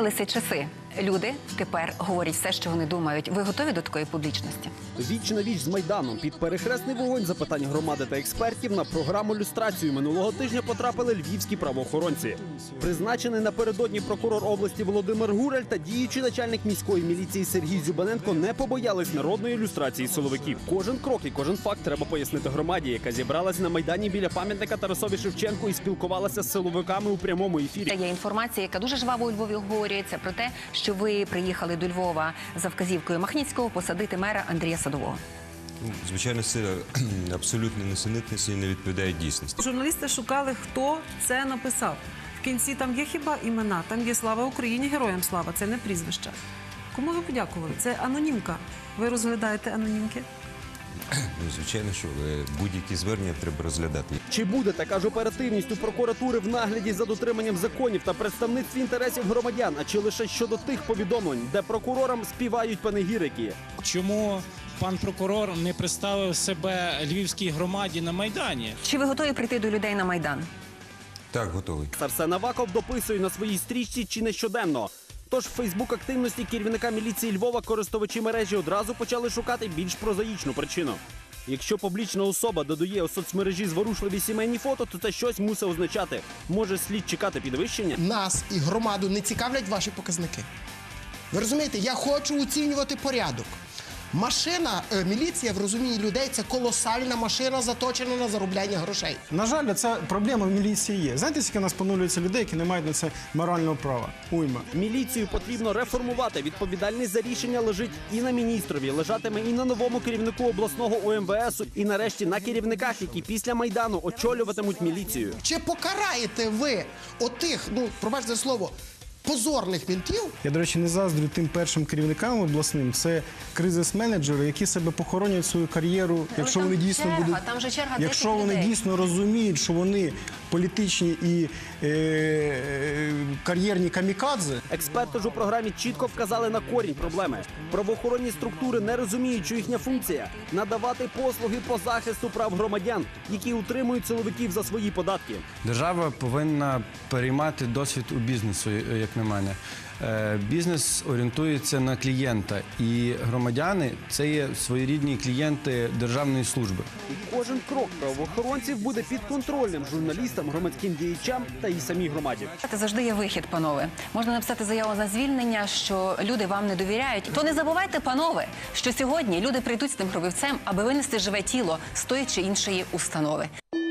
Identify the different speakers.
Speaker 1: Змінилися часи. Люди тепер говорять все, що вони думають. Ви готові до такої публічності?
Speaker 2: Віч на віч з Майданом під перехресний вогонь запитань громади та експертів на програму «Люстрацію» минулого тижня потрапили львівські правоохоронці. Призначений напередодні прокурор області Володимир Гураль та діючий начальник міської міліції Сергій Зюбаненко не побоялись народної люстрації силовиків. Кожен крок і кожен факт треба пояснити громаді, яка зібралась на Майдані біля пам'ятника Тарасові Шевченку і спілкувалася з силовиками у прямому ефірі.
Speaker 1: Є інформація, яка дуже жваво у Львові обговорюється, про те, що ви приїхали до Львова за вказівкою Махніцького посадити мера Андрія Садового.
Speaker 3: Звичайно, це абсолютно несенітниці і не відповідає дійсності.
Speaker 4: Журналісти шукали, хто це написав. В кінці там є хіба імена, там є «Слава Україні», «Героям слава», це не прізвища. Кому ви подякували? Це анонімка. Ви розглядаєте анонімки?
Speaker 3: Звичайно, що будь-які звернення треба розглядати.
Speaker 2: Чи буде така ж оперативність у прокуратури в нагляді за дотриманням законів та представництві інтересів громадян, а чи лише щодо тих повідомлень, де прокурорам співають панегірики?
Speaker 5: Чому пан прокурор не представив себе львівській громаді на Майдані?
Speaker 1: Чи ви готові прийти до людей на Майдан?
Speaker 3: Так, готовий.
Speaker 2: Арсен Аваков дописує на своїй стрічці чи не щоденно. Тож в Фейсбук-активності керівника міліції Львова користувачі мережі одразу почали шукати більш прозаїчну причину. Якщо публічна особа додає у соцмережі зворушливі сімейні фото, то це щось мусить означати. Може, слід чекати підвищення?
Speaker 6: Нас і громаду не цікавлять ваші показники. Ви розумієте, я хочу оцінювати порядок. Машина, міліція в розумінні людей – це колосальна машина, заточена на заробляння грошей.
Speaker 7: На жаль, ця проблема в міліції є. Знаєте, скільки у нас поновлюється людей, які не мають на це морального права? Уйма.
Speaker 2: Міліцію потрібно реформувати. Відповідальність за рішення лежить і на міністрові, лежатиме і на новому керівнику обласного УМВС, і нарешті на керівниках, які після Майдану очолюватимуть міліцію.
Speaker 6: Чи покараєте ви отих, пробачте слово, позорних ментів?
Speaker 7: Я, до речі, не заздрю тим першим керівникам обласним. Це кризис-менеджери, які себе похоронять свою кар'єру, якщо вони дійсно будуть, якщо вони дійсно розуміють, що вони політичні і кар'єрні камікадзе.
Speaker 2: Експерти ж у програмі чітко вказали на корінь проблеми. Правоохоронні структури не розуміють, що їхня функція – надавати послуги по захисту прав громадян, які утримують силовиків за свої податки.
Speaker 8: Держава повинна переймати досвід у бізнесу, як на мене. Бізнес орієнтується на клієнта, і громадяни – це є своєрідні клієнти державної служби.
Speaker 2: І кожен крок правоохоронців буде підконтрольним журналістам, громадським діячам та і самій громаді.
Speaker 1: Завжди є вихід, панове. Можна написати заяву на звільнення, що люди вам не довіряють. То не забувайте, панове, що сьогодні люди прийдуть з тим гробівцем, аби винести живе тіло з тої чи іншої установи.